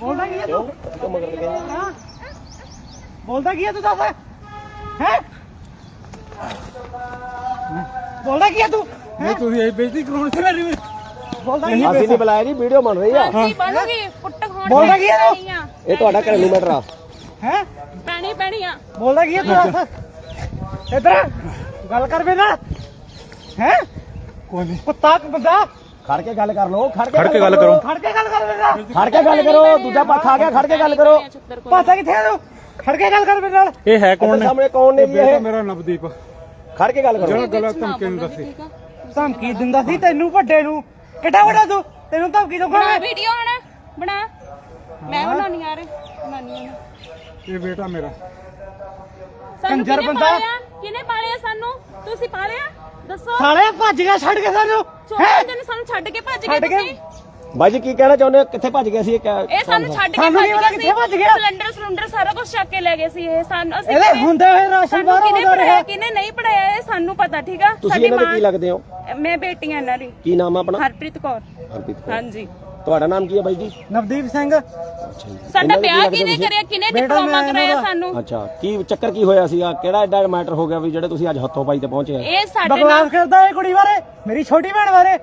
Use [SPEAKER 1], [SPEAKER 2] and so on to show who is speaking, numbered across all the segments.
[SPEAKER 1] बोलता की है तू? बोलता की है तू दस है? बोलता की है तू?
[SPEAKER 2] नहीं तू यही बेइज्जती कराउण से मेरी
[SPEAKER 1] बोलता की है?
[SPEAKER 3] ਅਸੀਂ ਨਹੀਂ ਬੁਲਾਇਆ ਜੀ ਵੀਡੀਓ ਬਣ ਰਹੀ ਆ
[SPEAKER 4] ਬਣੂਗੀ ਪੁੱਟ ਖਾਣ
[SPEAKER 1] बोलता की है तू?
[SPEAKER 3] ਇਹ ਤੁਹਾਡਾ ਘਰੇਲੂ ਮੈਟਰ ਆ
[SPEAKER 1] हैं?
[SPEAKER 4] ਪੈਣੀ ਆ
[SPEAKER 1] बोलता की है तू दस इधर गल कर मेरे नाल हैं?
[SPEAKER 2] कोई नहीं
[SPEAKER 1] कुत्ता बंदा
[SPEAKER 3] ਖੜ ਕੇ ਗੱਲ ਕਰ ਲਓ ਖੜ
[SPEAKER 5] ਖੜ ਕੇ ਗੱਲ ਕਰੋ
[SPEAKER 1] खड़ के गल कर मेरे नाल
[SPEAKER 3] ਖੜ ਕੇ ਗੱਲ ਕਰੋ ਦੂਜਾ ਪੱਖ ਆ ਗਿਆ ਖੜ ਕੇ ਗੱਲ ਕਰੋ
[SPEAKER 1] पासा किथे है तू खड़ के गल कर मेरे नाल
[SPEAKER 5] ਇਹ ਹੈ ਕੌਣ ਨੇ
[SPEAKER 3] ਸਾਹਮਣੇ ਕੌਣ ਨੇ ਜੀ
[SPEAKER 2] बेटा
[SPEAKER 3] ਇਹ
[SPEAKER 2] मेरा नवदीप
[SPEAKER 3] ਖੜ ਕੇ ਗੱਲ ਕਰੋ
[SPEAKER 2] ਜਿਹੜਾ ਗਲਤ ਧਮਕੀ ਨੂੰ ਦੱਸੀ
[SPEAKER 1] ਧਮਕੀ ਦਿੰਦਾ ਸੀ ਤੈਨੂੰ ਵੱਡੇ ਨੂੰ ਕਿੱਡਾ ਵੱਡਾ ਤੂੰ ਤੈਨੂੰ ਧਮਕੀ ਦਊਗਾ
[SPEAKER 4] ਬਣਾ
[SPEAKER 1] ਮੈਂ
[SPEAKER 4] ਵੀਡੀਓ ਹਣਾ ਬਣਾ ਮੈਂ ਬਣਾਉਣੀ ਆ ਰੇ ਬਣਾਉਣੀ ਆ
[SPEAKER 2] ਇਹ ਬੇਟਾ ਮੇਰਾ
[SPEAKER 4] ਸਾਨੂੰ
[SPEAKER 1] ਕੰਜਰ ਬੰਦਾ।
[SPEAKER 4] ਕਿਹਨੇ ਪਾਲਿਆ ਸਾਨੂੰ ਤੁਸੀਂ ਪਾਲਿਆ ਦੱਸੋ
[SPEAKER 1] ਸਾਲੇ ਭੱਜ ਗਿਆ ਛੱਡ ਕੇ ਸਾਨੂੰ
[SPEAKER 4] ਛੋਟੇ ਦਿਨ ਸਾਨੂੰ ਛੱਡ ਕੇ ਭੱਜ ਗਏ
[SPEAKER 1] ਛੱਡ ਕੇ
[SPEAKER 4] ਤੁਸੀਂ
[SPEAKER 3] ਬਾਈ ਜੀ ਕੀ ਕਹਿਣਾ ਚਾਹੁੰਦੇ ਹੋ ਕਿੱਥੇ ਭੱਜ ਗਏ ਸੀ
[SPEAKER 4] ਇਹ ਸਾਨੂੰ ਛੱਡ ਕੇ
[SPEAKER 1] ਸਾਨੂੰ
[SPEAKER 4] ਭੱਜ
[SPEAKER 1] ਕੀ ਪਤਾ
[SPEAKER 4] ਗਏ
[SPEAKER 1] ਕਿੱਥੇ ਭੱਜ ਗਿਆ?
[SPEAKER 4] ਸਿਲੰਡਰ ਸਾਰਾ ਕੁਝ ਚੱਕ ਕੇ ਲੈ ਗਏ ਸੀ ਇਹ ਸਾਨੂੰ ਅਸੀਂ
[SPEAKER 1] ਇਹਦੇ ਹੁੰਦੇ ਹੋਏ ਰਾਸ਼ਨ
[SPEAKER 4] ਸਾਨੂੰ
[SPEAKER 1] ਬਾਹਰੋਂ
[SPEAKER 4] ਕਿਹਨੇ
[SPEAKER 1] ਆਉਂਦਾ ਰਿਹਾ
[SPEAKER 4] ਪੜਾਇਆ ਕਿਹਨੇ ਨਹੀਂ ਪੜਾਇਆ ਇਹ ਸਾਨੂੰ ਪਤਾ ਠੀਕ ਆ
[SPEAKER 3] ਤੁਸੀਂ ਇਹਨਾਂ ਦੇ ਕੀ ਲੱਗਦੇ ਹੋ
[SPEAKER 4] ਮੈਂ ਬੇਟੀ ਆ ਇਹਨਾਂ ਦੀ
[SPEAKER 3] ਕੀ ਨਾਮ ਆ ਆਪਣਾ
[SPEAKER 4] ਹਰਪ੍ਰੀਤ ਕੌਰ
[SPEAKER 3] ਹਰਪ੍ਰੀਤ ਕੌਰ।
[SPEAKER 4] ਹਾਂਜੀ
[SPEAKER 3] ਤੁਹਾਡਾ ਨਾਮ ਕੀ ਹੈ ਬਾਈ ਜੀ
[SPEAKER 1] ਨਵਦੀਪ ਸਿੰਘ
[SPEAKER 4] ਸਾਡਾ ਵਿਆਹ ਕਿਹਨੇ ਕਰਿਆ ਕਿਹਨੇ ਡਿਪਲੋਮਾ ਕਰਾਇਆ ਸਾਨੂੰ
[SPEAKER 3] ਅੱਛਾ ਕੀ ਚੱਕਰ ਕੀ ਹੋਇਆ ਸੀਗਾ ਕਿਹੜਾ ਐਡਾ ਮੈਟਰ ਹੋ ਗਿਆ ਵੀ ਜਿਹੜੇ ਤੁਸੀਂ ਅੱਜ ਹੱਥੋਂ ਪਾਈ ਤੇ ਪਹੁੰਚੇ ਆ
[SPEAKER 4] ਇਹ ਸਾਡੇ ਨਾਲ
[SPEAKER 1] ਬਕਵਾਸ ਕਰਦਾ ਇਹ ਕੁੜੀ ਬਾਰੇ ਮੇਰੀ ਛੋਟੀ ਭੈਣ ਬਾਰੇ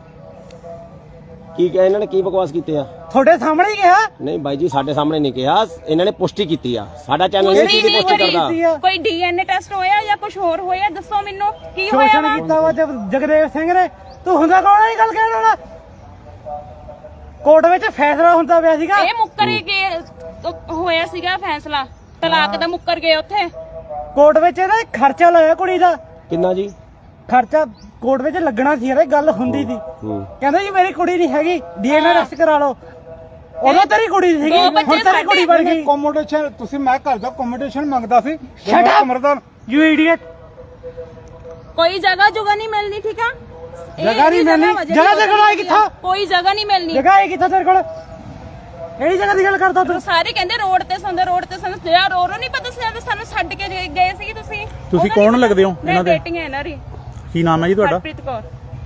[SPEAKER 3] ਕੀ ਕਿਹਾ ਇਹਨਾਂ ਨੇ ਕੀ ਬਕਵਾਸ ਕੀਤੇ ਆ
[SPEAKER 1] ਤੁਹਾਡੇ ਸਾਹਮਣੇ ਹੀ ਕਿਹਾ
[SPEAKER 3] ਨਹੀਂ ਬਾਈ ਜੀ ਸਾਡੇ ਸਾਹਮਣੇ ਨਹੀਂ ਕਿਹਾ ਇਹਨਾਂ ਨੇ ਪੁਸ਼ਟੀ ਕੀਤੀ ਆ ਸਾਡਾ ਚੈਨਲ ਨਹੀਂ
[SPEAKER 4] ਪੁਸ਼ਟੀ
[SPEAKER 3] ਕੀ
[SPEAKER 4] ਨਹੀਂ
[SPEAKER 3] ਪੁਸ਼ਟੀ
[SPEAKER 4] ਹੋਈ।
[SPEAKER 3] ਕਰਦਾ
[SPEAKER 4] ਕੋਈ ਡੀਐਨਏ ਟੈਸਟ ਹੋਇਆ ਜਾਂ ਕੁਝ ਹੋਰ ਹੋਇਆ ਦੱਸੋ ਮੈਨੂੰ ਕੀ ਹੋਇਆ
[SPEAKER 1] ਸ਼ੋਸ਼ਣ
[SPEAKER 4] ਵਾ
[SPEAKER 1] ਕੀਤਾ ਵਾ ਜਗਦੇਵ ਸਿੰਘ ਨੇ ਤੂੰ ਹੁੰਦਾ ਕੌਣ ਹੈ ਇਹ ਗੱਲ ਕਹਿਣ ਵਾਲਾ ਕੋਰਟ ਵਿੱਚ ਫੈਸਲਾ ਹੁੰਦਾ ਪਿਆ ਸੀਗਾ
[SPEAKER 4] ਇਹ ਮੁੱਕਰ ਗਏ ਹੋਇਆ ਸੀਗਾ ਫੈਸਲਾ ਤਲਾਕ ਦਾ ਮੁੱਕਰ ਗਏ ਉੱਥੇ
[SPEAKER 1] ਕੋਰਟ ਵਿੱਚ ਇਹਦਾ ਖਰਚਾ ਲਾਇਆ ਕੁੜੀ ਦਾ
[SPEAKER 3] ਕਿੰਨਾ ਜੀ
[SPEAKER 1] ਖਰਚਾ ਕੋਰਟ ਵਿੱਚ ਲੱਗਣਾ ਸੀ ਇਹਦੇ ਗੱਲ ਹੁੰਦੀ ਸੀ ਕਹਿੰਦਾ ਜੀ ਮੇਰੀ ਕੁੜੀ ਨਹੀਂ ਹੈਗੀ ਡੀਐਨਏ ਟੈਸਟ ਕਰਾ ਲਓ ਉਦੋਂ ਤੇਰੀ ਕੁੜੀ ਸੀਗੀ
[SPEAKER 4] ਦੋ ਬੱਚੇ
[SPEAKER 1] ਹੁਣ ਤੇਰੀ ਕੁੜੀ ਬਣ ਗਈ
[SPEAKER 2] ਕੋਮੋਡੇਸ਼ਨ ਤੁਸੀਂ ਮੈਂ ਘਰ ਦਾ ਕੋਮੋਡੇਸ਼ਨ ਮੰਗਦਾ ਸੀ
[SPEAKER 1] Shut up!
[SPEAKER 2] ਕਮਰਦਾਰ
[SPEAKER 1] ਯੂ ਇਡੀਅਟ
[SPEAKER 4] ਕੋਈ ਜਗ੍ਹਾ ਜੁਗਾ ਨਹੀਂ ਮਿਲਣੀ ਠੀਕ ਆ
[SPEAKER 1] ਜਗ੍ਹਾ ਨਹੀਂ ਮਿਲਣੀ ਜਗ੍ਹਾ ਤੇ ਕੋਲ ਆਈ ਕਿੱਥੋਂ
[SPEAKER 4] ਕੋਈ ਜਗ੍ਹਾ ਨਹੀਂ ਮਿਲਣੀ
[SPEAKER 1] ਜਗ੍ਹਾ ਹੈ ਕਿੱਥੋਂ ਤੇਰੇ ਕੋਲ ਕਿਹੜੀ ਜਗ੍ਹਾ ਦੀ ਗੱਲ ਕਰਦਾ ਤੂੰ
[SPEAKER 4] ਸਾਰੇ ਕਹਿੰਦੇ ਰੋਡ ਤੇ ਸੰਦੇ ਯਾਰ ਰੋਰੋ ਨਹੀਂ ਪਤਾ ਸੀ ਸਾਨੂੰ ਛੱਡ ਕੇ ਗਏ ਸੀ ਤੁਸੀਂ
[SPEAKER 5] ਤੁਸੀਂ ਕੌਣ ਲੱਗਦੇ ਹੋ ਇਹਨਾਂ ਦੇ
[SPEAKER 4] ਬੇਟੀਆਂ ਇਹਨਾਂ ਦੀ
[SPEAKER 5] ਕੀ ਨਾਮ ਹੈ ਜੀ ਤੁਹਾਡਾ
[SPEAKER 4] ਹਰਪ੍ਰੀਤ ਕੌਰ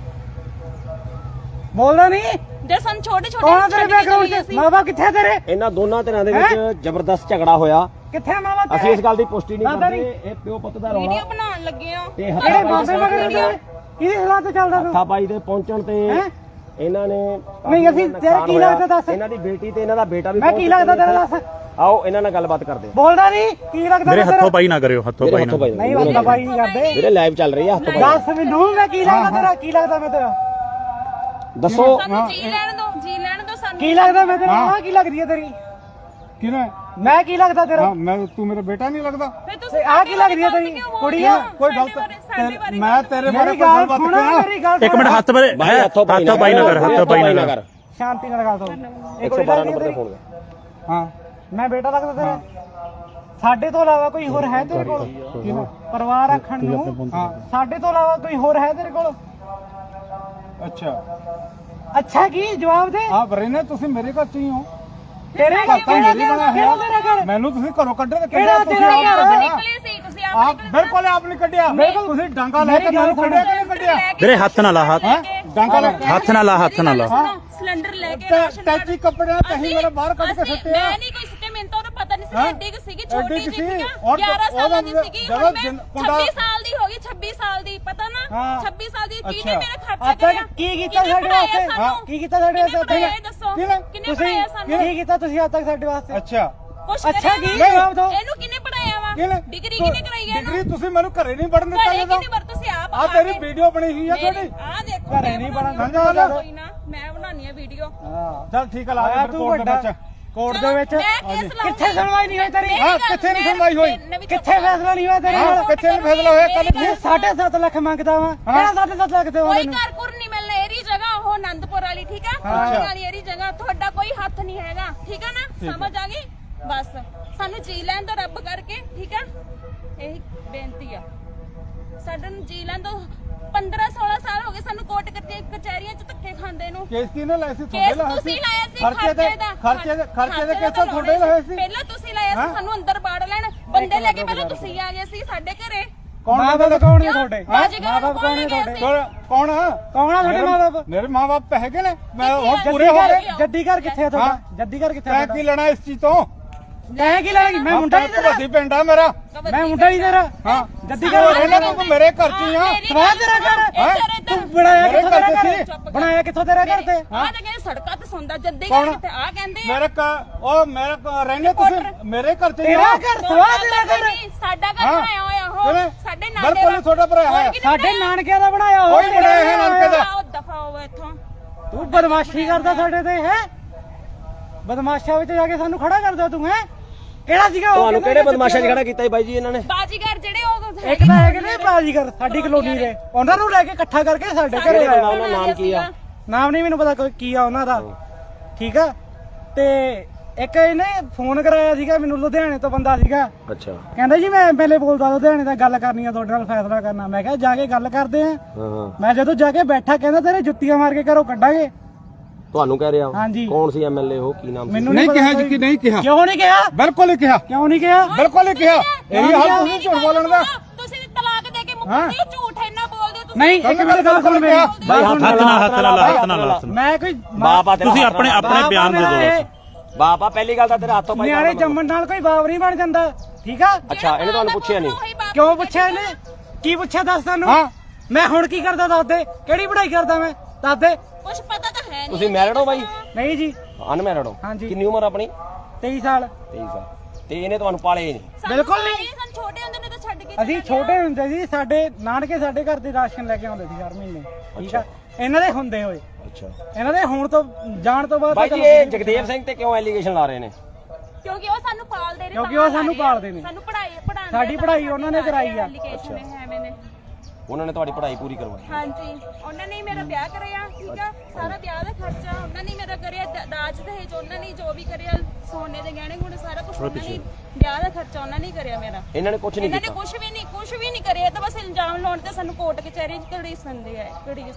[SPEAKER 1] ਬੋਲਦਾ ਨਹੀਂ
[SPEAKER 4] ਜੇ ਸਾਨੂੰ ਛੋਟੇ
[SPEAKER 1] ਕੌਣ ਆ ਤੇਰੇ
[SPEAKER 4] ਛੋਟੇ
[SPEAKER 1] ਬੈਕਗ੍ਰਾਉਂਡ 'ਚ ਮਾਵਾ ਕਿੱਥੇ ਤੇਰੇ
[SPEAKER 3] ਇਹਨਾਂ ਦੋਨਾਂ ਧਿਰਾਂ ਦੇ ਵਿੱਚ ਜ਼ਬਰਦਸਤ ਝਗੜਾ ਹੋਇਆ
[SPEAKER 1] ਕਿੱਥੇ ਮਾਵਾ
[SPEAKER 3] ਅਸੀਂ
[SPEAKER 1] ਤੇਰੇ
[SPEAKER 3] ਇਸ ਗੱਲ ਦੀ ਪੁਸ਼ਟੀ ਨਹੀਂ
[SPEAKER 1] ਦਾਦਾ
[SPEAKER 3] ਕਰਦੇ ਇਹ ਪਿਓ ਪੁੱਤ ਦਾ ਰੌਲਾ
[SPEAKER 4] ਵੀਡੀਓ ਬਣਾਉਣ ਲੱਗੇ ਆ
[SPEAKER 3] ਤੇ
[SPEAKER 1] ਕਿਹੜੇ ਬਾਬੇ ਮਗਰ ਕਿਹਦੀ ਸਲਾਹ ਤੇ ਚੱਲਦਾ ਤੂੰ
[SPEAKER 3] ਹੱਥਾਪਾਈ ਦੇ ਪਹੁੰਚਣ ਤੇ
[SPEAKER 1] ਹੈਂ?
[SPEAKER 3] ਇਹਨਾਂ ਨੇ
[SPEAKER 1] ਨਹੀਂ ਅਸੀਂ ਤੇਰਾ ਕੀ ਲੱਗਦਾ ਦੱਸ
[SPEAKER 3] ਇਹਨਾਂ ਦੀ ਬੇਟੀ ਤੇ ਇਹਨਾਂ ਦਾ ਬੇਟਾ ਵੀ
[SPEAKER 1] ਮੈਂ ਕੀ ਲੱਗਦਾ ਤੇਰਾ ਦੱਸ
[SPEAKER 3] ਆਓ ਇਹਨਾਂ ਨਾਲ ਗੱਲਬਾਤ ਕਰਦੇ ਆ
[SPEAKER 1] ਬੋਲਦਾ ਨਹੀਂ ਕੀ ਲੱਗਦਾ
[SPEAKER 5] ਮੇਰੇ
[SPEAKER 1] ਤੇਰਾ?
[SPEAKER 5] ਹੱਥੋਂ ਪਾਈ ਨਾ ਕਰਿਓ ਹੱਥੋਂ ਪਾਈ ਨਾ
[SPEAKER 1] ਨਹੀਂ ਹੱਥੋਂ ਪਾਈ ਨਹੀਂ ਕਰਦੇ
[SPEAKER 3] ਵੀਰੇ ਲਾਈਵ ਚੱਲ ਰਹੀ ਆ ਹੱਥੋਂ ਪਾਈ
[SPEAKER 1] ਦੱਸ ਮੈਨੂੰ ਮੈਂ ਕੀ ਲੱਗਦਾ ਤੇਰਾ ਕੀ ਲੱਗਦਾ ਮੈਂ ਤੇਰਾ
[SPEAKER 3] ਦੱਸੋ
[SPEAKER 4] ਸਾਨੂੰ ਜੀ ਲੈਣ ਦੋ ਸਾਨੂੰ
[SPEAKER 1] ਕੀ ਲੱਗਦਾ ਮੈਂ ਤੇਰਾ ਆਹ ਕੀ ਲੱਗਦੀ ਹੈ ਤੇਰੀ
[SPEAKER 2] ਕਿਹਨੇ
[SPEAKER 1] ਮੈਂ ਕੀ ਲੱਗਦਾ ਤੇਰਾ
[SPEAKER 2] ਹਾਂ ਮੈਂ ਤੂੰ ਮੇਰਾ ਬੇਟਾ ਨਹੀਂ ਲੱਗਦਾ
[SPEAKER 4] ਫਿਰ ਤੁਸੀਂ
[SPEAKER 1] ਆਹ ਕੀ ਲੱਗਦੀ ਹੈ ਤੇਰੀ ਕੁੜੀ ਆ
[SPEAKER 2] ਕੋਈ
[SPEAKER 4] ਸਾਡੇ
[SPEAKER 2] ਗਲਤ ਮੈਂ ਤੇਰੇ ਬਾਰੇ
[SPEAKER 1] ਮੇਰੀ
[SPEAKER 2] ਕੋਈ
[SPEAKER 1] ਗੱਲ
[SPEAKER 2] ਗੱਲਬਾਤ
[SPEAKER 1] ਸੁਣ
[SPEAKER 2] ਕਰਾਂ
[SPEAKER 1] ਮੇਰੀ ਗੱਲ
[SPEAKER 5] ਇੱਕ ਮਿੰਟ ਹੱਥ ਬਾਰੇ
[SPEAKER 3] ਭਾਈ ਹੱਥੋਂ ਪਾਈ
[SPEAKER 5] ਨਾ ਕਰ ਹੱਥੋਂ ਪਾਈ ਨਾ ਕਰ
[SPEAKER 1] ਸ਼ਾਂਤੀ ਨਾਲ ਗੱਲ ਕਰੋ
[SPEAKER 3] 112 ਨੰਬਰ ਤੇ ਫੋਨ
[SPEAKER 2] ਹਾਂ
[SPEAKER 1] ਮੈਂ ਬੇਟਾ ਲੱਗਦਾ ਤੇਰਾ ਸਾਡੇ ਤੋਂ ਇਲਾਵਾ ਕੋਈ ਹੋਰ ਹੈ ਤੇਰੇ ਕੋਲ ਪਰਿਵਾਰ ਰੱਖਣ ਨੂੰ ਸਾਡੇ ਤੋਂ ਇਲਾਵਾ ਕੋਈ ਹੋਰ ਹੈ ਤੇਰੇ ਕੋਲ
[SPEAKER 2] ਅੱਛਾ
[SPEAKER 1] ਅੱਛਾ ਕੀ ਜਵਾਬ ਦੇ
[SPEAKER 2] ਆ ਬਰੇਨੇ ਤੁਸੀਂ ਮੇਰੇ ਘਰ ਚ ਹੀ ਹੋ
[SPEAKER 1] ਤੇਰੇ
[SPEAKER 2] ਘਰ ਤਾਂ
[SPEAKER 1] ਕਿਹੜਾ
[SPEAKER 2] ਮੇਰੀ ਬਣਿਆ
[SPEAKER 1] ਕਿਹੜਾ ਤੇਰਾ
[SPEAKER 2] ਹੈ
[SPEAKER 1] ਘਰ
[SPEAKER 2] ਮੈਨੂੰ ਤੁਸੀਂ ਘਰੋਂ ਕੱਢੇ ਤੇ
[SPEAKER 1] ਕਿਹੜਾ
[SPEAKER 2] ਤੁਸੀਂ
[SPEAKER 1] ਤੇਰਾ
[SPEAKER 2] ਆਪ
[SPEAKER 1] ਘਰ?
[SPEAKER 2] ਕੱਢਿਆ।
[SPEAKER 4] ਨਿਕਲੇ ਸੀ ਤੁਸੀਂ
[SPEAKER 2] ਆਪ ਬਿਲਕੁਲ ਆਪ ਨਹੀਂ ਕੱਢਿਆ ਤੁਸੀਂ ਡਾਂਗਾ ਲੈ ਕੇ ਮੈਨੂੰ ਕੱਢਿਆ ਕਿ ਨਹੀਂ ਕੱਢਿਆ
[SPEAKER 5] ਵੀਰੇ ਹੱਥ ਨਾ ਲਾ ਹੱਥ
[SPEAKER 2] ਡਾਂਗਾ ਲੈ
[SPEAKER 5] ਹੱਥ ਨਾ ਲਾ ਹੱਥ ਨਾ ਲਾ
[SPEAKER 4] ਸਿਲੰਡਰ ਲੈ ਕੇ ਰਾਸ਼ਨ
[SPEAKER 2] ਟੈਚੀ ਕੱਪੜੇ ਕਹੀਂ ਮੇਰੇ ਬਾਹਰ ਕੱਢ ਕੇ ਸੁੱਟਿਆ
[SPEAKER 4] ਮੈਂ ਨਹੀਂ ਕੋਈ ਸੁੱਟੇ ਮੈਨੂੰ ਤਾਂ ਉਹਦਾ ਪਤਾ ਨਹੀਂ ਸੀ ਐਡੀ ਕਿ ਸੀਗੀ ਛੋਟੀ
[SPEAKER 2] ਐਡੀ ਕੁ ਸੀ,
[SPEAKER 4] ਜਿਹੀ
[SPEAKER 2] ਔਰ
[SPEAKER 4] 11 ਸਾਲਾਂ ਦੀ
[SPEAKER 2] ਉਹਦਾ
[SPEAKER 4] ਸੀਗੀ
[SPEAKER 2] ਜਦੋਂ
[SPEAKER 4] ਹੁਣ ਮੈਂ
[SPEAKER 2] ਮੁੰਡਾ-
[SPEAKER 4] 26 ਸਾਲ ਦੀ ਹੋ ਗਈ 26 ਸਾਲ ਦੀ ਪਤਾ ਨਾ
[SPEAKER 1] ਹਾਂ।
[SPEAKER 4] 26 ਸਾਲ ਦੀ ਕੀ
[SPEAKER 2] ਅੱਛਾ।
[SPEAKER 4] ਨੇ ਮੇਰਾ ਖਰਚਾ
[SPEAKER 1] ਆਪਾਂ
[SPEAKER 4] ਕਰਿਆ
[SPEAKER 1] ਕੀ ਕੀਤਾ ਸਾਡੇ ਵਾਸਤੇ ਕੀ ਕੀਤਾ ਸਾਡੇ ਵਾਸਤੇ
[SPEAKER 4] ਇਹ ਦੱਸੋ
[SPEAKER 2] ਕਿਹਨੇ?
[SPEAKER 4] ਕਿੰਨੇ
[SPEAKER 1] ਤੁਸੀਂ
[SPEAKER 4] ਪੜਾਇਆ ਸਾਨੂੰ
[SPEAKER 1] ਕੀ ਕੀਤਾ ਤੁਸੀਂ ਅੱਜ ਤੱਕ ਸਾਡੇ ਵਾਸਤੇ
[SPEAKER 2] ਅੱਛਾ
[SPEAKER 4] ਕੁਛ
[SPEAKER 1] ਅੱਛਾ
[SPEAKER 4] ਕਰਿਆ
[SPEAKER 1] ਕੀ
[SPEAKER 4] ਨਾ?
[SPEAKER 1] ਜਵਾਬ ਦਿਓ
[SPEAKER 4] ਇਹਨੂੰ ਕਿੰਨੇ ਪੜਾਇਆ ਵਾ
[SPEAKER 2] ਕਿਹਨੇ?
[SPEAKER 4] ਡਿਗਰੀ ਕਿੰਨੇ ਕਰਾਈ ਹੈ
[SPEAKER 2] ਡਿਗਰੀ ਤੁਸੀਂ ਮੈਨੂੰ ਘਰੇ ਨਹੀਂ ਵੜਨ ਦਿੱਤਾ
[SPEAKER 4] ਘਰੇ
[SPEAKER 2] ਜਦੋਂ
[SPEAKER 4] ਕਿੰਨੀ ਵਾਰ ਤੁਸੀਂ ਆਪ
[SPEAKER 2] ਆ ਤੇਰੀ ਵੀਡੀਓ ਬਣੀ ਹੋਈ ਆ ਤੁਹਾਡੀ
[SPEAKER 4] ਆ ਦੇਖੋ
[SPEAKER 1] ਘਰੇ ਨਹੀਂ ਬਣਨ
[SPEAKER 2] ਦਿੰਦਾ।
[SPEAKER 4] ਕੋਈ ਨਾ ਮੈਂ ਬਣਾਉਣੀ ਆ ਵੀਡੀਓ
[SPEAKER 2] ਚੱਲ ਠੀਕ ਆ ਲਾ
[SPEAKER 1] ਆਇਆ
[SPEAKER 2] ਦੇ
[SPEAKER 1] ਤੂੰ
[SPEAKER 2] ਕੋਰਟ ਦੇ
[SPEAKER 1] ਵੱਡਾ
[SPEAKER 2] ਵਿੱਚ
[SPEAKER 1] ਕੋਰਟ ਦੇ ਵਿੱਚ ਕਿੱਥੇ ਸੁਣਵਾਈ ਨਹੀਂ ਹੋਈ ਤੇਰੀ
[SPEAKER 2] ਹਾਂ ਕਿੱਥੇ ਨਹੀਂ ਸੁਣਵਾਈ ਹੋਈ
[SPEAKER 1] ਕਿੱਥੇ ਫੈਸਲਾ ਨਹੀਂ ਹੋਇਆ ਤੇਰੇ
[SPEAKER 2] ਹਾਂ
[SPEAKER 1] ਨਾਲ
[SPEAKER 2] ਕਿੱਥੇ ਨਹੀਂ ਫੈਸਲਾ ਹੋਇਆ ਕੱਲ
[SPEAKER 1] ਇਹ 7.5 ਲੱਖ ਮੰਗਦਾ ਵਾ ਕਿਹੜਾ 7.5 ਲੱਖ ਦੇਵਾਂ
[SPEAKER 4] ਕੋਈ
[SPEAKER 1] ਤੈਨੂੰ
[SPEAKER 4] ਘਰ ਘੁਰ ਨਹੀਂ ਮਿਲਣਾ ਇਹਦੀ ਜਗ੍ਹਾ ਉਹ ਆਨੰਦਪੁਰ ਵਾਲੀ ਠੀਕ ਆ ਫੌਜ ਵਾਲੀ ਇਹਦੀ ਜਗ੍ਹਾ ਤੁਹਾਡਾ ਕੋਈ ਹੱਥ ਨਹੀਂ ਹੈਗਾ ਠੀਕ ਆ ਨਾ ਸਮਝ ਆ ਗਈ ਬਸ ਸਾਨੂੰ ਜੀ ਲੈਣ ਦੋ ਰੱਬ ਕਰਕੇ ਠੀਕ ਆ ਇਹੀ ਬੇਨਤੀ ਆ ਸਾਡੇ ਨੂੰ ਜੀ ਲੈਣ ਦੋ 15-16 ਸਾਲ ਹੋ ਗਏ ਸਾਨੂੰ ਕੋਰਟ ਕਚਹਿਰੀਆਂ ਚ ਧੱਕੇ ਖਾਂਦੇ ਨੂੰ
[SPEAKER 2] ਕੇਸ ਕਿਹਨੇ ਲਾਇਆ ਸੀ
[SPEAKER 4] ਕੇਸ
[SPEAKER 2] ਤੁਹਾਡੇ ਲਾਇਆ
[SPEAKER 4] ਤੁਸੀਂ
[SPEAKER 2] ਸੀ
[SPEAKER 4] ਲਾਇਆ ਸੀ
[SPEAKER 2] ਖਰਚੇ ਦੇ ਖਰਚੇ ਦੇ ਕੇਸ ਤੁਹਾਡੇ ਲਾਇਆ ਸੀ
[SPEAKER 4] ਪਹਿਲਾਂ ਤੁਸੀਂ ਲਾਇਆ ਸੀ ਸਾਨੂੰ ਅੰਦਰ ਬਾੜ ਲੈਣ ਬੰਦੇ ਲੈ ਕੇ ਪਹਿਲਾਂ ਤੁਸੀਂ ਆ ਗਏ ਸੀ ਸਾਡੇ ਘਰੇ
[SPEAKER 1] ਮਾਂ ਬਾਪ ਕੌਣ ਨੇ ਤੁਹਾਡੇ?
[SPEAKER 4] ਮਾਂ ਬਾਪ ਕੌਣ ਨੇ ਤੁਹਾਡੇ?
[SPEAKER 2] ਕੌਣ ਆ
[SPEAKER 1] ਤੁਹਾਡੇ ਮਾਂ ਬਾਪ?
[SPEAKER 2] ਮੇਰੇ ਮਾਂ ਬਾਪ ਹੈਗੇ ਨੇ ਮੈਂ ਹੁਣ
[SPEAKER 4] ਜੱਦੀ
[SPEAKER 2] ਪੂਰੇ ਹੋ ਗਏ
[SPEAKER 1] ਜੱਦੀ ਘਰ ਕਿੱਥੇ ਆ ਤੁਹਾਡਾ? ਜੱਦੀ ਘਰ ਕਿੱਥੇ ਆ?
[SPEAKER 2] ਤੈਂ ਕੀ ਲੈਣਾ ਇਸ ਚੀਜ਼ ਤੋਂ?
[SPEAKER 1] ਤੈਂ ਕੀ ਲੈਣਾ? ਮੈਂ ਮੁੰਡਾ ਨਹੀਂ ਤੇਰਾ।
[SPEAKER 2] ਵੱਡੀ ਪਿੰਡ ਆ ਮੇਰਾ।
[SPEAKER 1] ਮੈਂ ਮੁੰਡਾ ਨਹੀਂ ਤੇਰਾ।
[SPEAKER 2] ਹਾਂ
[SPEAKER 1] ਜੱਦੀ ਘਰ
[SPEAKER 2] ਰਹਿਣਾ ਤੂੰ ਮੇਰੇ ਘਰ ਚ ਹੀ ਆ।
[SPEAKER 1] ਸਵਾਲ ਤੇਰਾ ਘਰ ਤੂੰ ਬਣਾਇਆ ਕਿੱਥੋਂ ਤੇਰਾ ਘਰ? ਬਣਾਇਆ ਕਿੱਥੋਂ ਤੇਰਾ ਘਰ ਤੇ?
[SPEAKER 4] ਆ ਤਾਂ ਕਹਿੰਦੇ ਸੜਕਾਂ ਤੇ ਸੌਂਦਾ ਜੱਦੀ
[SPEAKER 2] ਕੌਣ?
[SPEAKER 4] ਕਿਤੇ ਆ ਕਹਿੰਦੇ
[SPEAKER 2] ਮੇਰੇ ਰਹਿਣੇ ਤੁਸੀਂ ਮੇਰੇ ਘਰ ਚ ਹੀ
[SPEAKER 1] ਤੇਰਾ
[SPEAKER 2] ਆ।
[SPEAKER 1] ਘਰ ਸਵਾਲ ਤੇਰਾ ਘਰ
[SPEAKER 4] ਸਾਡਾ ਘਰ ਬਣਾਇਆ ਹੋਇਆ ਹੋ ਸਾਡੇ ਨਾਲ
[SPEAKER 2] ਬਿਲਕੁਲ ਤੁਹਾਡਾ ਭਰਾ ਹੈ।
[SPEAKER 1] ਸਾਡੇ ਨਾਨਕਿਆਂ ਦਾ ਬਣਾਇਆ
[SPEAKER 2] ਕੋਈ ਬਣਾਇਆ ਹੈ ਨਾਨਕੇ ਦਾ।
[SPEAKER 4] ਦਫਾ ਹੋਵੇ ਇੱਥੋਂ
[SPEAKER 1] ਤੂੰ ਬਦਮਾਸ਼ੀ ਕਰਦਾ ਸਾਡੇ ਤੇ ਹੈ। ਬਦਮਾਸ਼ਾਂ ਵਿੱਚ ਜਾ ਕੇ ਸਾਨੂੰ ਖੜਾ ਕਰਦਾ ਤੂੰ ਹੈ। ਕਿਹੜਾ ਸੀਗਾ ਉਹ?
[SPEAKER 3] ਤੁਹਾਨੂੰ ਕਿਹੜੇ ਬਦਮਾਸ਼ਾਂ 'ਚ ਖੜਾ ਕੀਤਾ ਜੀ ਬਾਈ ਜੀ ਇਹਨਾਂ ਨੇ?
[SPEAKER 4] ਬਾਜੀਗਰ ਜਿਹੜੇ ਉਹ
[SPEAKER 1] ਇੱਕ ਤਾਂ ਹੈਗੇ ਨੇ ਬਾਜੀਗਰ ਸਾਡੀ ਕਲੋਨੀ ਦੇ, ਉਹਨਾਂ ਨੂੰ ਲੈ ਕੇ ਇਕੱਠਾ ਕਰਕੇ ਸਾਡੇ ਘਰੇ
[SPEAKER 3] ਕਿਹੜੇ
[SPEAKER 1] ਆਇਆ।
[SPEAKER 3] ਉਹਨਾਂ ਦਾ ਨਾਮ ਕੀ ਆ?
[SPEAKER 1] ਨਾਮ ਨਹੀਂ ਮੈਨੂੰ ਪਤਾ ਕੀ ਆ ਉਹਨਾਂ ਦਾ, ਠੀਕ ਆ। ਤੇ ਇੱਕ ਇਹਨੇ ਫੋਨ ਕਰਾਇਆ ਸੀਗਾ ਮੈਨੂੰ, ਲੁਧਿਆਣੇ ਤੋਂ ਬੰਦਾ ਸੀਗਾ।
[SPEAKER 3] ਅੱਛਾ
[SPEAKER 1] ਕਹਿੰਦਾ ਜੀ ਮੈਂ ਐਮਐਲਏ ਬੋਲਦਾ ਲੁਧਿਆਣੇ ਦਾ, ਗੱਲ ਕਰਨੀ ਆ ਤੁਹਾਡੇ ਨਾਲ, ਫੈਸਲਾ ਕਰਨਾ। ਮੈਂ ਕਿਹਾ ਜਾ ਕੇ ਗੱਲ ਕਰਦੇ ਆ।
[SPEAKER 3] ਹਾਂ
[SPEAKER 1] ਮੈਂ ਜਦੋਂ ਜਾ ਕੇ ਬੈਠਾ ਕਹਿੰਦਾ ਤੇਰੇ ਜੁੱਤੀਆਂ ਮਾਰ ਕੇ ਘਰੋਂ ਕੱਢਾਂਗੇ।
[SPEAKER 3] ਤੁਹਾਨੂੰ ਕਹਿ ਰਿਹਾ
[SPEAKER 1] ਹਾਂਜੀ।
[SPEAKER 3] ਕੌਣ ਸੀ ਐਮਐਲਏ ਉਹ? ਕੀ ਨਾਮ ਸੀ?
[SPEAKER 1] ਮੈਨੂੰ
[SPEAKER 2] ਨਹੀਂ
[SPEAKER 1] ਪਤਾ
[SPEAKER 2] ਕਿਹਾ
[SPEAKER 1] ਕੋਈ।
[SPEAKER 2] ਜੀ ਕਿ ਨਹੀਂ ਕਿਹਾ?
[SPEAKER 1] ਕਿਉਂ ਨਹੀਂ ਕਿਹਾ?
[SPEAKER 2] ਬਿਲਕੁਲ ਹੀ ਕਿਹਾ।
[SPEAKER 1] ਕਿਉਂ ਨਹੀਂ ਕਿਹਾ?
[SPEAKER 2] ਬਿਲਕੁਲ ਹੀ ਕਿਹਾ। ਇਹੀ ਹਾਲ ਤੁਸੀਂ ਝੂਠ ਬੋਲਣ ਦਾ।
[SPEAKER 4] ਤੁਸੀਂ ਤਲਾਕ ਦੇ ਕੇ ਮੁੱਕਦੇ ਹੋ, ਝੂਠ ਇੰਨਾ ਬੋਲਦੇ ਹੋ ਤੁਸੀਂ।
[SPEAKER 1] ਨਹੀਂ ਇੱਕ ਮਿੰਟ ਗੱਲ ਸੁਣ ਮੇਰੀ।
[SPEAKER 5] ਹੱਥ ਨਾਲ
[SPEAKER 1] ਮੈਂ ਕੋਈ
[SPEAKER 3] ਬਾਪ ਆ ਤੇਰਾ।
[SPEAKER 5] ਤੁਸੀਂ ਆਪਣੇ ਬਿਆਨ ਦੇ ਦਿਓ।
[SPEAKER 3] ਬਾਪ ਆ, ਪਹਿਲੀ ਗੱਲ ਤਾਂ ਤੇਰਾ ਹੱਥੋਂ ਪਾਈ
[SPEAKER 1] ਨਿਆਣੇ ਜੰਮਣ ਨਾਲ ਕੋਈ ਬਾਪ ਨਹੀਂ ਬਣ ਜਾਂਦਾ, ਠੀਕ ਆ।
[SPEAKER 3] ਅੱਛਾ ਇਹਨੇ ਤੁਹਾਨੂੰ ਪੁੱਛਿਆ ਨਹੀਂ?
[SPEAKER 1] ਕਿਉਂ ਪੁੱਛਿਆ ਇਹਨੇ? ਕੀ ਪੁੱਛਿਆ ਦੱਸ ਤੈਨੂੰ?
[SPEAKER 2] ਹਾਂ
[SPEAKER 1] ਮੈਂ ਹੁਣ ਕੀ ਕਰਦਾ ਦੱਸ ਦੇ? ਕਿਹੜੀ ਪੜ੍ਹਾਈ ਕਰਦਾ ਮੈਂ ਦੱਸ ਦੇ?
[SPEAKER 4] ਕੁਝ ਪਤਾ ਤਾਂ ਹੈ ਨਹੀਂ।
[SPEAKER 3] ਤੁਸੀਂ ਮੈਰਿਡ ਹੋ ਬਾਈ?
[SPEAKER 1] ਨਹੀਂ ਜੀ,
[SPEAKER 3] ਅਨਮੈਰਿਡ ਹੋ?
[SPEAKER 1] ਹਾਂਜੀ।
[SPEAKER 3] ਕਿੰਨੀ ਉਮਰ ਆਪਣੀ?
[SPEAKER 1] 23 ਸਾਲ।
[SPEAKER 3] 23 ਸਾਲ। ਤੇ ਇਹਨੇ ਤੁਹਾਨੂੰ ਪਾਲੇ ਨਹੀਂ?
[SPEAKER 1] ਬਿਲਕੁਲ ਨਹੀਂ।
[SPEAKER 4] ਸਾਨੂੰ ਛੋਟੇ ਹੁੰਦੇ ਨੇ ਤਾਂ ਛੱਡ ਕੇ
[SPEAKER 1] ਅਸੀਂ ਛੋਟੇ ਹੁੰਦੇ ਸੀ, ਸਾਡੇ ਨਾਨਕੇ ਸਾਡੇ ਘਰ ਦੇ ਰਾਸ਼ਨ ਲੈ ਕੇ ਆਉਂਦੇ ਸੀ ਹਰ ਮਹੀਨੇ, ਠੀਕ ਆ। ਇਹਨਾਂ ਦੇ ਹੁੰਦੇ ਹੋਏ,
[SPEAKER 3] ਅੱਛਾ
[SPEAKER 1] ਇਹਨਾਂ ਦੇ ਹੁਣ ਤੋਂ ਜਾਣ ਤੋਂ ਬਾਅਦ
[SPEAKER 3] ਬਾਈ ਜੀ ਇਹ ਜਗਦੇਵ ਸਿੰਘ ਤੇ ਕਿਉਂ ਐਲੀਗੇਸ਼ਨ ਲਾ ਰਹੇ ਨੇ?
[SPEAKER 4] ਕਿਉਂਕਿ ਉਹ ਸਾਨੂੰ ਪਾਲਦੇ ਨੇ।
[SPEAKER 1] ਕਿਉਂਕਿ ਉਹ ਸਾਨੂੰ ਪਾਲਦੇ ਨੇ।
[SPEAKER 4] ਸਾਨੂੰ ਪੜ੍ਹਾਉਂਦੇ।
[SPEAKER 1] ਸਾਡੀ ਪੜ੍ਹਾਈ ਉਹਨਾਂ ਨੇ ਕਰਾਈ ਆ।
[SPEAKER 3] ਉਹਨਾਂ ਨੇ ਤੁਹਾਡੀ ਪੜ੍ਹਾਈ ਪੂਰੀ ਕਰਵਾਈ?
[SPEAKER 4] ਹਾਂਜੀ, ਉਹਨਾਂ ਨੇ ਹੀ ਮੇਰਾ ਵਿਆਹ ਕਰਿਆ, ਠੀਕ ਆ। ਸਾਰਾ ਵਿਆਹ ਦਾ ਖਰਚਾ ਉਹਨਾਂ ਨੇ ਮੇਰਾ ਕਰਿਆ, ਦਾਜ ਦਹੇਜ ਉਹਨਾਂ ਨੇ ਜੋ ਵੀ ਕਰਿਆ, ਸੋਨੇ ਦੇ ਗਹਿਣੇ ਗੁਣੇ ਸਾਰਾ ਕੁਝ ਉਹਨਾਂ ਨੇ, ਵਿਆਹ ਦਾ ਖਰਚਾ ਉਹਨਾਂ ਨੇ ਕਰਿਆ ਮੇਰਾ।
[SPEAKER 3] ਇਹਨਾਂ ਨੇ ਕੁਝ ਨਹੀਂ
[SPEAKER 4] ਇਹਨਾਂ ਨੇ
[SPEAKER 3] ਕੀਤਾ?
[SPEAKER 4] ਕੁਝ ਵੀ ਨਹੀਂ ਕਰਿਆ। ਤਾਂ ਬਸ ਇਲਜ਼ਾਮ ਲਾਉਣ ਤੇ ਸਾਨੂੰ ਕੋਰਟ ਕਚਹਿਰੀ ਚ ਘੜੀਸਦੇ ਆ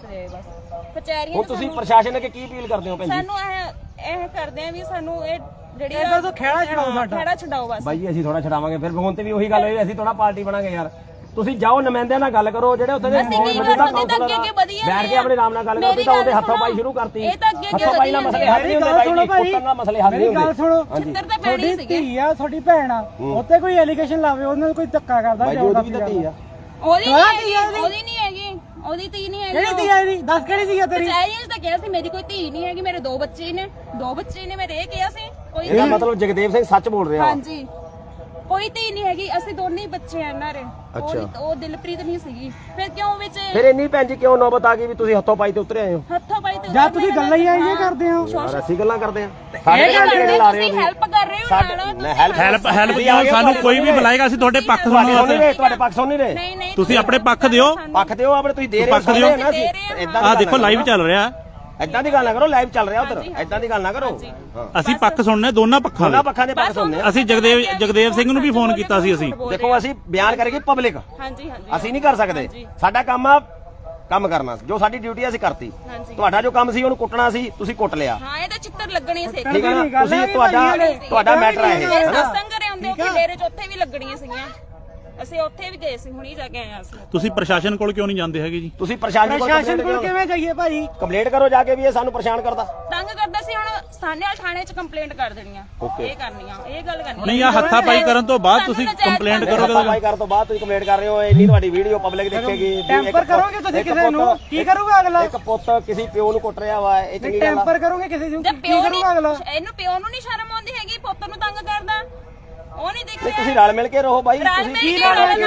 [SPEAKER 4] ਬਸ। ਕਚਹਿਰੀਆਂ
[SPEAKER 3] ਹੁਣ ਤੁਸੀਂ ਪ੍ਰਸ਼ਾਸਨ ਅੱਗੇ ਕੀ ਅਪੀਲ ਕਰਦੇ ਹੋ ਭੈਣ ਜੀ?
[SPEAKER 4] ਸਾਨੂੰ ਇਹ ਕਰਦੇ ਆ ਵੀ ਸਾਨੂੰ ਇਹ ਜਿਹੜੀ
[SPEAKER 1] ਇਹਦਾ ਤੋਂ ਖਹਿੜਾ ਛਡਾਓ ਸਾਡਾ।
[SPEAKER 4] ਖਹਿੜਾ ਛਡਾਓ ਬਸ।
[SPEAKER 3] ਬਾਈ ਜੀ ਅਸੀਂ ਥੋੜਾ ਛਡਾਵਾਂਗੇ, ਫਿਰ ਹੁਣ ਤੇ ਵੀ ਉਹੀ ਗੱਲ ਹੋਈ, ਅਸੀਂ ਥੋੜਾ ਪਾਰਟੀ ਬਣਾਂਗੇ ਯਾਰ। ਤੁਸੀਂ ਜਾਓ ਨੁਮਾਇੰਦਿਆਂ ਨਾਲ ਗੱਲ ਕਰੋ, ਜਿਹੜੇ ਉੱਥੇ ਦੇ ਮੌਜੂਦਾ ਕਾਉਂਸਲਰ ਆ, ਬੈਠ ਕੇ ਆਪਣੇ ਨਾਮ ਨਾਲ ਗੱਲ ਕਰੋ। ਤੁਸੀਂ ਤਾਂ ਉਹਦੇ ਹੱਥੋਂ ਪਾਈ ਸ਼ੁਰੂ ਕਰਤੀ। ਹੱਥੋਂ ਪਾਈ ਨਾਲ ਮਸਲੇ ਹੱਲ ਨਹੀਂ ਹੁੰਦੇ ਬਾਈ ਜੀ, ਪੁੱਤਰ ਨਾਲ ਮਸਲੇ ਹੱਲ ਨਹੀਂ
[SPEAKER 1] ਗੱਲ
[SPEAKER 3] ਹੁੰਦੇ।
[SPEAKER 1] ਸੁਣੋ,
[SPEAKER 4] ਤੁਹਾਡੀ
[SPEAKER 1] ਧੀ ਆ, ਤੁਹਾਡੀ ਭੈਣ ਆ, ਉੱਤੇ ਕੋਈ ਐਲੀਗੇਸ਼ਨ ਲਾਵੇ, ਉਹਨਾਂ ਨੂੰ ਕੋਈ ਧੱਕਾ ਕਰਦਾ
[SPEAKER 3] ਬਾਈ ਜੀ ਉਹਦੀ ਵੀ ਤਾਂ ਧੀ ਆ।
[SPEAKER 4] ਉਹਦੀ ਨਹੀਂ ਹੈਗੀ, ਉਹਦੀ ਧੀ ਨਹੀਂ ਹੈਗੀ।
[SPEAKER 1] ਕਿਹੜੀ ਧੀ ਆ ਇਹਦੀ? ਦੱਸ ਕਿਹੜੀ ਧੀ ਆ ਤੇਰੀ?
[SPEAKER 4] ਕਚਹਿਰੀਆਂ ਤਾਂ ਕਿਹਾ ਸੀ ਮੇਰੀ ਕੋਈ ਧੀ ਨਹੀਂ ਹੈਗੀ, ਮੇਰੇ ਦੋ ਬੱਚੇ ਨੇ ਮੇਰੇ ਇਹ ਕਿਹਾ ਸੀ। ਕੋਈ
[SPEAKER 3] ਇਹਦਾ ਮਤਲਬ ਜਗਦੇਵ ਸਿੰਘ ਸੱਚ ਬੋਲ ਰਿਹਾ?
[SPEAKER 4] ਹਾਂਜੀ, ਕੋਈ ਧੀ ਨਹੀਂ ਹੈਗੀ, ਅਸੀਂ ਦੋਨੇ ਹੀ ਬੱਚੇ ਆ ਇਹਨਾਂ ਦੇ। ਉਹ ਦਿਲਪ੍ਰੀਤ ਨਹੀਂ ਸੀਗੀ। ਫਿਰ ਕਿਉਂ ਵਿੱਚ
[SPEAKER 3] ਫਿਰ ਇੰਨੀ ਭੈਣ ਜੀ ਕਿਉਂ ਨੌਬਤ ਆ ਗਈ ਵੀ ਤੁਸੀਂ ਹੱਥੋਂ ਪਾਈ ਤੇ ਉਤਰੇ ਆਏ ਹੋ?
[SPEAKER 4] ਹੱਥੋਂ ਪਾਈ ਤੇ
[SPEAKER 1] ਜਾਂ ਤੁਸੀਂ ਗੱਲਾਂ ਹੀ ਆਈਆਂ ਕਰਦੇ ਹੋ?
[SPEAKER 3] ਯਾਰ ਅਸੀਂ ਗੱਲਾਂ ਕਰਦੇ ਆ?
[SPEAKER 4] ਲਾ ਰਹੇ ਹੋ, ਹੈਲਪ ਕਰ ਰਹੇ ਹੋ।
[SPEAKER 5] ਹੈਲਪ ਕਿਉਂ? ਸਾਨੂੰ ਕੋਈ ਵੀ ਬੁਲਾਏਗਾ, ਅਸੀਂ ਤੁਹਾਡੇ ਪੱਖ ਸੁਣਨ ਵਾਸਤੇ।
[SPEAKER 3] ਤੁਹਾਡੇ ਪੱਖ ਸੁਣ ਨਹੀਂ ਰਹੇ?
[SPEAKER 4] ਨਹੀਂ
[SPEAKER 5] ਤੁਸੀਂ ਆਪਣੇ ਪੱਖ ਦਿਓ।
[SPEAKER 3] ਪੱਖ ਦਿਓ ਆਪਣੇ, ਤੁਸੀਂ ਦੇ ਰਹੇ ਹੋ।
[SPEAKER 5] ਪੱਖ ਦਿਓ।
[SPEAKER 3] ਇਦਾਂ
[SPEAKER 5] ਆਹ ਦੇਖੋ ਲਾਈਵ ਚੱਲ ਰਿਹਾ।
[SPEAKER 3] ਇਦਾਂ ਦੀ ਗੱਲ ਨਾ ਕਰੋ, ਲਾਈਵ ਚੱਲ ਰਿਹਾ ਉਧਰ। ਇਦਾਂ ਦੀ ਗੱਲ ਨਾ ਕਰੋ।
[SPEAKER 5] ਅਸੀਂ ਪੱਖ ਸੁਣਨੇ ਦੋਨਾਂ ਪੱਖਾਂ
[SPEAKER 3] ਦੋਨਾਂ
[SPEAKER 5] ਦੇ।
[SPEAKER 3] ਪੱਖਾਂ ਦੇ ਪੱਖ ਸੁਣਨੇ ਆ।
[SPEAKER 5] ਅਸੀਂ ਜਗਦੇਵ ਸਿੰਘ ਨੂੰ ਵੀ ਫੋਨ ਕੀਤਾ ਸੀ। ਅਸੀਂ
[SPEAKER 3] ਦੇਖੋ ਅਸੀਂ ਬਿਆਨ ਕਰਾਂਗੇ ਪਬਲਿਕ,
[SPEAKER 4] ਹਾਂਜੀ
[SPEAKER 3] ਅਸੀਂ ਨਹੀਂ ਕਰ ਸਕਦੇ। ਸਾਡਾ ਕੰਮ ਆ ਕੰਮ ਕਰਨਾ, ਜੋ ਸਾਡੀ ਡਿਊਟੀ ਅਸੀਂ ਕਰਤੀ। ਤੁਹਾਡਾ ਜੋ ਕੰਮ ਸੀ ਉਹਨੂੰ ਕੁੱਟਣਾ ਸੀ, ਤੁਸੀਂ ਕੁੱਟ ਲਿਆ।
[SPEAKER 4] ਹਾਂ, ਇਹ ਤਾਂ ਚਿੱਤਰ ਲੱਗਣੀ ਸੀ।
[SPEAKER 3] ਠੀਕ ਹੈ ਨਾ? ਤੁਸੀਂ ਤੁਹਾਡਾ ਮੈਟਰ ਹੈ ਇਹ।
[SPEAKER 4] ਸਤਸੰਗ ਕਰੇ ਹੁੰਦੇ ਕਿ ਡੇਰੇ ਚ ਉੱਥੇ ਵੀ ਲੱਗਣੀਆਂ ਸੀਗੀਆਂ। ਅਸੀਂ ਉੱਥੇ ਵੀ ਗਏ ਸੀ, ਹੁਣੀ ਜਾ ਕੇ ਆਏ ਆ ਅਸੀਂ।
[SPEAKER 5] ਤੁਸੀਂ ਪ੍ਰਸ਼ਾਸਨ ਕੋਲ ਕਿਉਂ ਨਹੀਂ ਜਾਂਦੇ ਹੈਗੇ ਜੀ?
[SPEAKER 3] ਤੁਸੀਂ ਪ੍ਰਸ਼ਾਸਨ
[SPEAKER 1] ਕੋਲ ਕਿਵੇਂ ਜਾਈਏ ਭਾਜੀ?
[SPEAKER 3] ਕੰਪਲੇਂਟ ਕਰੋ ਜਾ ਕੇ ਵੀ ਇਹ ਸਾਨੂੰ ਪਰੇਸ਼ਾਨ ਕਰਦਾ,
[SPEAKER 4] ਤੰਗ ਕਰਦਾ ਸੀ। ਹੁਣ ਸਾਨੇਵਾਲ ਥਾਣੇ 'ਚ ਕੰਪਲੇਂਟ ਕਰ ਦੇਣੀ ਆ। ਇਹ ਕਰਨੀ ਆ, ਇਹ ਗੱਲ ਕਰਨੀ।
[SPEAKER 5] ਨਹੀਂ, ਆ ਹੱਥਾ ਪਾਈ ਕਰਨ ਤੋਂ ਬਾਅਦ ਤੁਸੀਂ ਕੰਪਲੇਂਟ ਕਰੋਗੇ।
[SPEAKER 3] ਪਾਈ ਕਰਨ ਤੋਂ ਬਾਅਦ ਤੁਸੀਂ ਕੰਪਲੇਂਟ ਕਰ ਰਹੇ ਹੋ, ਇੰਨੀ ਤੁਹਾਡੀ ਵੀਡੀਓ ਪਬਲਿਕ ਦੇਖੇਗੀ।
[SPEAKER 1] ਟੈਂਪਰ ਕਰੋਗੇ ਤੁਸੀਂ ਕਿਸੇ ਨੂੰ, ਕੀ ਕਰੂਗਾ ਅਗਲਾ?
[SPEAKER 3] ਇੱਕ ਪੁੱਤ ਕਿਸੇ ਪਿਓ ਨੂੰ ਕੁੱਟ ਰਿਹਾ ਵਾ, ਇਹ ਚੰਗੀ ਗੱਲ ਆ?
[SPEAKER 1] ਟੈਂਪਰ ਕਰੋਗੇ ਕਿਸੇ ਨੂੰ, ਕੀ
[SPEAKER 4] ਪਿਓ
[SPEAKER 1] ਕਰੂਗਾ ਅਗਲਾ?
[SPEAKER 4] ਇਹਨੂੰ ਪਿਓ ਨੂੰ ਨਹੀਂ ਸ਼ਰਮ ਆਉਂਦੀ ਹੈਗੀ, ਪੁੱਤ ਨੂੰ ਤੰਗ ਕਰਦਾ। ਉਹ ਨਹੀਂ ਦੇਖ ਰਿਹਾ।
[SPEAKER 3] ਤੁਸੀਂ ਰਲ ਮਿਲ ਕੇ ਰਹੋ ਬਾਈ। ਤੁਸੀਂ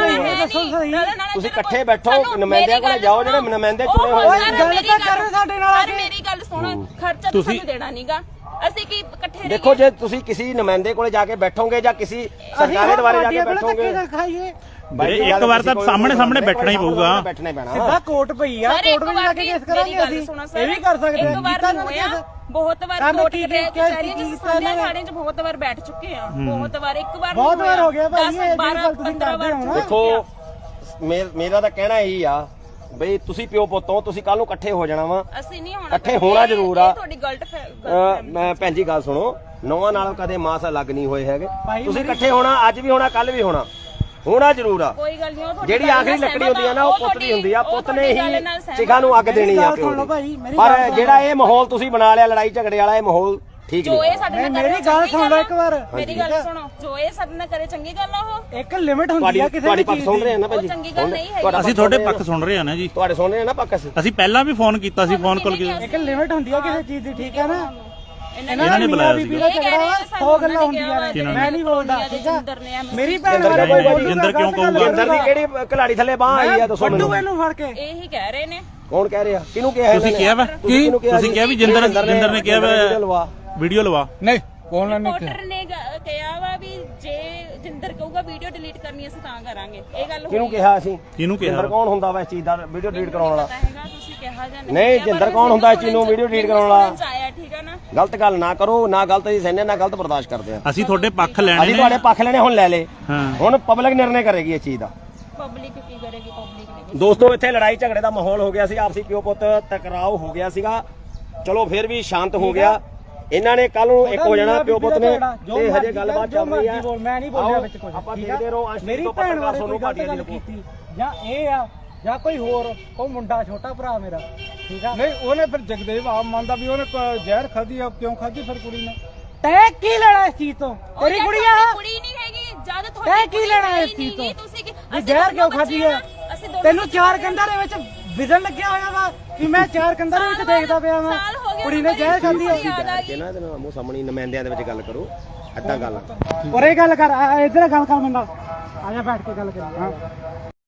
[SPEAKER 3] ਇਕੱਠੇ ਬੈਠੋ, ਨੁਮਾਇੰਦਿਆਂ ਕੋਲ ਜਾਓ, ਜਿਹੜੇ ਨੁਮਾਇੰਦੇ ਚੁਣੇ ਹੋਏ
[SPEAKER 1] ਗੱਲ ਤਾਂ ਕਰਨ ਸਾਡੇ ਨਾਲ।
[SPEAKER 4] ਮੇਰੀ ਗੱਲ ਸੁਣ, ਖਰਚਾ ਤੁਸੀਂ ਦੇਣਾ ਨਹੀਂਗਾ। ਅਸੀਂ ਕੀ ਇਕੱਠੇ
[SPEAKER 3] ਦੇਖੋ, ਜੇ ਤੁਸੀਂ ਕਿਸੇ ਨੁਮਾਇੰਦੇ ਕੋਲੇ ਜਾ ਕੇ ਬੈਠੋਗੇ ਜਾਂ ਕਿਸੇ ਸਰਕਾਰੇ ਦੁਆਰੇ ਜਾ ਕੇ ਬੈਠੋਗੇ,
[SPEAKER 5] ਇੱਕ ਵਾਰ ਤਾਂ ਸਾਹਮਣੇ ਬੈਠਣਾ ਹੀ ਪਊਗਾ।
[SPEAKER 3] ਬੈਠਣਾ ਪੈਣਾ।
[SPEAKER 1] ਸਿੱਧਾ ਕੋਰਟ ਪਈ ਆ, ਕੋਰਟ ਵਿੱਚ ਜਾ ਕੇ ਕੇਸ ਕਰਾਂਗੇ ਅਸੀਂ। ਇਹ ਵੀ ਕਰ ਸਕਦੇ ਆ।
[SPEAKER 4] ਬਹੁਤ ਵਾਰ ਕੋਰਟ ਕਚਹਿਰੀਆਂ ਚ, ਥਾਣੇ ਚ ਬਹੁਤ ਵਾਰ ਬੈਠ ਚੁੱਕੇ ਆ। ਬਹੁਤ ਵਾਰ, ਇੱਕ ਵਾਰ
[SPEAKER 1] ਬਹੁਤ ਵਾਰ ਹੋ ਗਿਆ ਭਾਈ। ਇਹ ਗੱਲ ਤੁਸੀਂ ਕਰਦੇ ਹੋ ਨਾ।
[SPEAKER 3] ਦੇਖੋ, ਮੇਰਾ ਤਾਂ ਕਹਿਣਾ ਇਹੀ ਆ ਬਈ ਤੁਸੀਂ ਪਿਓ ਪੁੱਤੋਂ, ਤੁਸੀਂ ਕੱਲ ਨੂੰ ਇਕੱਠੇ ਹੋ ਜਾਣਾ ਵਾ।
[SPEAKER 4] ਅਸੀਂ ਨਹੀਂ ਹੋਣਾ,
[SPEAKER 3] ਇਕੱਠੇ ਹੋਣਾ ਜ਼ਰੂਰ ਆ।
[SPEAKER 4] ਤੁਹਾਡੀ ਗਲਤ
[SPEAKER 3] ਮੈਂ ਭੈਣ ਜੀ ਗੱਲ ਸੁਣੋ, ਨੌਵਾਂ ਨਾਲ ਕਦੇ ਮਾਸ ਅਲੱਗ ਨਹੀਂ ਹੋਏ ਹੈਗੇ। ਤੁਸੀਂ ਇਕੱਠੇ ਹੋਣਾ, ਅੱਜ ਵੀ ਹੋਣਾ, ਕੱਲ ਵੀ ਹੋਣਾ। ਹੋਣਾ ਜ਼ਰੂਰ ਆ।
[SPEAKER 4] ਕੋਈ ਗੱਲ ਨਹੀਂ, ਉਹ ਤੁਹਾਡੀ
[SPEAKER 3] ਜਿਹੜੀ
[SPEAKER 4] ਗੱਲ
[SPEAKER 3] ਆਖਰੀ
[SPEAKER 4] ਨਾਲ
[SPEAKER 3] ਲੱਕੜੀ ਹੁੰਦੀ ਆ ਨਾ ਉਹ ਪੁੱਤ ਦੀ ਹੁੰਦੀ ਆ, ਪੁੱਤ ਨੇ
[SPEAKER 4] ਤੁਹਾਡੀ ਗੱਲ
[SPEAKER 3] ਹੀ
[SPEAKER 4] ਨਾਲ ਸਹਿਮਤ
[SPEAKER 3] ਚਿਖਾ ਨੂੰ ਅੱਗ ਦੇਣੀ ਆ ਪਿਓ
[SPEAKER 1] ਸੁਣ ਲਓ
[SPEAKER 3] ਦੀ।
[SPEAKER 1] ਭਾਈ, ਮੇਰੀ
[SPEAKER 3] ਪਰ
[SPEAKER 1] ਗੱਲ
[SPEAKER 3] ਜਿਹੜਾ ਇਹ ਮਾਹੌਲ ਤੁਸੀਂ ਬਣਾ ਲਿਆ ਲੜਾਈ ਝਗੜੇ ਵਾਲਾ, ਇਹ ਮਾਹੌਲ ਠੀਕ
[SPEAKER 4] ਜੋ
[SPEAKER 3] ਨਹੀਂ।
[SPEAKER 4] ਇਹ ਸਾਡੇ ਨਾਲ
[SPEAKER 1] ਮੇਰੀ ਗੱਲ ਸੁਣ ਲਓ ਇੱਕ ਵਾਰ।
[SPEAKER 4] ਮੇਰੀ ਗੱਲ ਸੁਣੋ, ਜੋ ਇਹ ਸਾਡੇ ਨਾਲ ਕਰੇ ਚੰਗੀ ਗੱਲ ਆ ਉਹ?
[SPEAKER 1] ਇੱਕ ਲਿਮਿਟ ਹੁੰਦੀ ਆ ਕਿਸੇ
[SPEAKER 3] ਤੁਹਾਡੀ
[SPEAKER 1] ਵੀ
[SPEAKER 3] ਪੱਖ
[SPEAKER 1] ਚੀਜ਼
[SPEAKER 3] ਸੁਣ ਰਹੇ ਆ
[SPEAKER 1] ਦੀ।
[SPEAKER 3] ਨਾ ਭਾਈ
[SPEAKER 4] ਉਹ
[SPEAKER 3] ਜੀ,
[SPEAKER 4] ਚੰਗੀ ਗੱਲ ਨਹੀਂ ਹੈਗੀ।
[SPEAKER 5] ਅਸੀਂ ਤੁਹਾਡੇ ਪੱਖ ਸੁਣ ਰਹੇ ਆ ਨਾ ਜੀ,
[SPEAKER 3] ਤੁਹਾਡੇ ਸੁਣ ਰਹੇ ਆ ਨਾ ਪੱਖ
[SPEAKER 5] ਅਸੀਂ ਪਹਿਲਾਂ ਵੀ ਫੋਨ ਕੀਤਾ ਸੀ, ਫੋਨ ਕਾਲ ਕੀਤੀ।
[SPEAKER 1] ਇੱਕ ਲਿਮਿਟ ਹੁੰਦੀ ਆ ਕਿਸੇ ਚੀਜ਼ ਦੀ, ਠੀਕ ਹੈ ਨਾ?
[SPEAKER 5] ਇਹਨਾਂ ਨੇ ਬੁਲਾਇਆ ਸੀ।
[SPEAKER 1] ਬੀਬੀ ਦਾ ਝਗੜਾ 100 ਗੱਲਾਂ ਹੁੰਦੀਆਂ ਨੇ, ਮੈਂ ਨਹੀਂ ਬੋਲਦਾ, ਠੀਕ ਆ? ਮੇਰੀ ਭੈਣ ਬਾਰੇ ਕੋਈ ਬੋਲੂਗਾ,
[SPEAKER 5] ਜਿੰਦਰ ਕਿਉਂ ਕਹੂਗਾ?
[SPEAKER 3] ਜਿੰਦਰ ਦੀ ਕਿਹੜੀ ਘਲਾੜੀ ਥੱਲੇ ਬਾਹ ਆਈ ਆ ਦੱਸੋ
[SPEAKER 1] ਵੱਡੂ
[SPEAKER 3] ਮੈਨੂੰ।
[SPEAKER 1] ਇਹਨੂੰ ਫੜ ਕੇ
[SPEAKER 4] ਇਹੀ ਕਹਿ ਰਹੇ ਨੇ।
[SPEAKER 3] ਕੌਣ ਕਹਿ ਰਿਹਾ? ਕਿਹਨੂੰ ਕਿਹਾ
[SPEAKER 5] ਤੁਸੀਂ ਕਿਹਾ ਵਾ ਤੁਸੀਂ ਕਿਹਾ ਵੀ ਜਿੰਦਰ ਨੇ ਕਿਹਾ ਵੀਡੀਓ ਲਵਾ।
[SPEAKER 2] ਨਹੀਂ ਕੌਣ ਨਹੀਂ
[SPEAKER 4] ਰਿਪੋਰਟਰ ਨੇ ਕਿਹਾ ਵਾ ਵੀ ਜੇ ਜਿੰਦਰ ਕਹੂਗਾ ਵੀਡੀਓ ਡਿਲੀਟ ਕਰਨੀ ਅਸੀਂ ਤਾਂ ਕਰਾਂਗੇ। ਇਹ ਗੱਲ ਹੋਈ
[SPEAKER 3] ਕਿਹਨੂੰ ਕਿਹਾ ਅਸੀਂ?
[SPEAKER 5] ਕਿਹਨੂੰ ਕਿਹਾ?
[SPEAKER 3] ਜਿੰਦਰ ਕੌਣ ਹੁੰਦਾ ਵਾ ਇਸ ਚੀਜ਼ ਦਾ ਵੀਡੀਓ ਡਿਲੀਟ ਕਰਾਉਣ ਵਾਲਾ?
[SPEAKER 4] ਪਤਾ ਹੈਗਾ, ਤੁਸੀਂ ਕਿਹਾ ਜਾਂ
[SPEAKER 3] ਨਹੀਂ, ਜਿੰਦਰ ਕੌਣ ਹੁੰਦਾ ਇਸ ਚੀਜ਼ ਨੂੰ ਵੀਡੀਓ ਡਿਲੀਟ ਕਰਾਉਣ ਵਾਲਾ?
[SPEAKER 4] ਆਇਆ, ਠੀਕ ਆ ਨਾ?
[SPEAKER 3] ਗਲਤ ਗੱਲ ਨਾ ਕਰੋ, ਨਾ ਗਲਤ ਜੀ ਸਹਿਨੇ, ਨਾ ਗਲਤ ਬਰਦਾਸ਼ਤ ਕਰਦੇ ਆ।
[SPEAKER 5] ਅਸੀਂ ਤੁਹਾਡੇ ਪੱਖ ਲੈਣੇ
[SPEAKER 3] ਅਸੀਂ
[SPEAKER 5] ਨੇ।
[SPEAKER 3] ਤੁਹਾਡੇ ਪੱਖ ਲੈਣੇ ਹੁਣ ਲੈ ਲੇ,
[SPEAKER 5] ਹਾਂ
[SPEAKER 3] ਹੁਣ ਪਬਲਿਕ ਨਿਰਣੇ ਕਰੇਗੀ ਇਸ ਚੀਜ਼ ਦਾ।
[SPEAKER 4] ਪਬਲਿਕ ਕੀ ਕਰੇਗੀ? ਪਬਲਿਕ ਨੇ
[SPEAKER 3] ਦੋਸਤੋ ਇੱਥੇ ਲੜਾਈ ਝਗੜੇ ਦਾ ਮਾਹੌਲ ਹੋ ਗਿਆ ਸੀ, ਆਪਸੀ ਪਿਓ ਪੁੱਤ ਟਕਰਾਓ ਹੋ ਗਿਆ ਸੀਗਾ। ਚਲੋ ਫਿਰ ਵੀ ਸ਼ਾਂਤ ਹੋ ਗਿਆ। ਇਹਨਾਂ ਨੇ ਕੱਲ ਨੂੰ ਇੱਕ ਹੋ ਜਾਣਾ ਪਿਓ ਪੁੱਤ ਨੇ, ਤੇ ਹਜੇ ਗੱਲਬਾਤ ਚੱਲ ਰਹੀ ਆ।
[SPEAKER 1] ਮੈਂ ਨਹੀਂ ਬੋਲਿਆ ਵਿੱਚ ਕੁਝ,
[SPEAKER 3] ਆਪਾਂ
[SPEAKER 1] ਠੀਕ ਆ?
[SPEAKER 3] ਦੇਖਦੇ ਰਹੋ।
[SPEAKER 1] ਮੇਰੀ ਭੈਣ ਬਾਰੇ ਕੋਈ ਗਲਤ ਗੱਲ ਕੀਤੀ ਜਾਂ ਇਹ ਆ ਜਾਂ ਕੋਈ ਹੋਰ, ਉਹ ਮੁੰਡਾ ਛੋਟਾ ਭਰਾ ਮੇਰਾ, ਠੀਕ ਆ?
[SPEAKER 2] ਨਹੀਂ ਉਹਨੇ ਫਿਰ ਜਗਦੇਵ ਆਪ ਮੰਨਦਾ ਵੀ ਉਹਨੇ ਜ਼ਹਿਰ ਖਾਧੀ ਆ, ਕਿਉਂ ਖਾਧੀ ਫਿਰ ਕੁੜੀ ਨੇ?
[SPEAKER 1] ਤੈਂ ਕੀ ਲੈਣਾ ਇਸ ਚੀਜ਼ ਤੋਂ? ਤੇਰੀ ਕੁੜੀ ਆ,
[SPEAKER 4] ਕੁੜੀ ਨਹੀਂ ਹੈਗੀ ਜਦ
[SPEAKER 1] ਤੈਂ
[SPEAKER 4] ਤੁਹਾਡੀ
[SPEAKER 1] ਕੀ ਲੈਣਾ ਇਸ ਚੀਜ਼ ਤੋਂ?
[SPEAKER 4] ਤੁਸੀਂ
[SPEAKER 1] ਵੀ ਜ਼ਹਿਰ ਕਿਉਂ ਖਾਧੀ ਆ? ਤੈਨੂੰ ਚਾਰ ਕੰਧਾਂ ਦੇ ਵਿੱਚ ਵਿਜ਼ਨ ਲੱਗਿਆ ਹੋਇਆ ਵਾ ਕਿ ਮੈਂ ਚਾਰ ਕੰਧਾਂ ਦੇ ਵਿੱਚ ਦੇਖਦਾ ਪਿਆ ਵਾਂ, ਕੁੜੀ ਨੇ ਜ਼ਹਿਰ ਖਾਧੀ ਆ।
[SPEAKER 3] ਬੈਠ ਕੇ ਨਾ ਇਹਦੇ ਨਾਲ ਮੂੰਹ ਸਾਹਮਣੇ ਨੁਮਾਇੰਦਿਆਂ ਦੇ ਵਿੱਚ ਗੱਲ ਕਰੋ, ਏਦਾਂ ਗੱਲ
[SPEAKER 1] ਉਰੇ ਗੱਲ ਕਰ, ਇੱਧਰ ਗੱਲ ਕਰ ਮੇਰੇ ਨਾਲ, ਆ ਜਾ ਬੈਠ ਕੇ ਗੱਲ ਕਰੀ। ਹਾਂ